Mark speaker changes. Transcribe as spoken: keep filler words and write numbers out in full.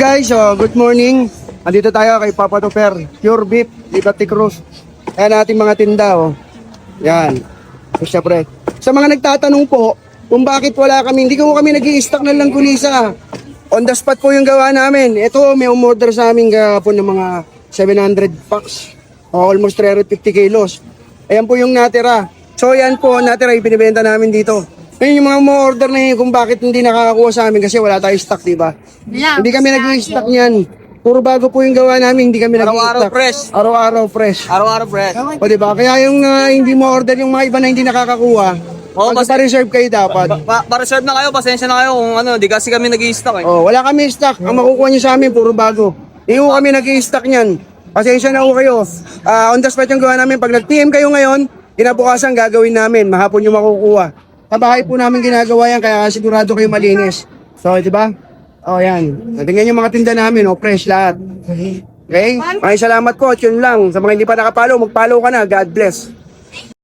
Speaker 1: Guys, so good morning. Andito tayo kay Papa Tupper, Pure Beef, Liberty Cruz. Ayan ating mga tinda, oh. Yan. So, syempre, sa mga nagtatanong po, kung bakit wala kami, hindi ko kami nag-i-stock ng langkulisa. On the spot po yung gawa namin. Ito, may umorder sa amin kahapon ng mga seven hundred packs. O, almost three hundred fifty kilos. Ayan po yung natira. So, yan po, natira, ibinibenta namin dito. Ngayon yung mga umorder na yun, kung bakit hindi nakakakuha sa amin kasi wala tayong stock, di ba? Hindi kami nag-i-stock niyan. Puro bago po yung gawa namin, hindi kami nag-i-stock.
Speaker 2: Araw-araw fresh.
Speaker 1: Araw-araw fresh.
Speaker 2: Araw-araw fresh.
Speaker 1: O diba? Kaya yung uh, hindi mo order yung mga iba na hindi nakakakuha,
Speaker 2: Oo,
Speaker 1: pag
Speaker 2: basta-
Speaker 1: pa-reserve kayo dapat.
Speaker 2: Pa- Pa-reserve na kayo, pasensya na kayo kung ano, di kasi kami nag-i-stock eh.
Speaker 1: Oh, wala kami stock. Ang makukuha nyo sa amin, puro bago. Hindi ko kami nag-i-stock niyan. Pasensya na po kayo. Ah, on the spot yung gawa namin. Pag nag-P M kayo ngayon, kinabukasan gagawin namin. Mahapon yung makukuha. Sa bahay po namin ginagawa yan, kaya sigurado kayo malinis. So, di ba? Oh, yan. Tingnan yung mga tinda namin, oh, fresh lahat. Okay? Maraming salamat po at yun lang. Sa mga hindi pa nakapalo, magpalo ka na. God bless.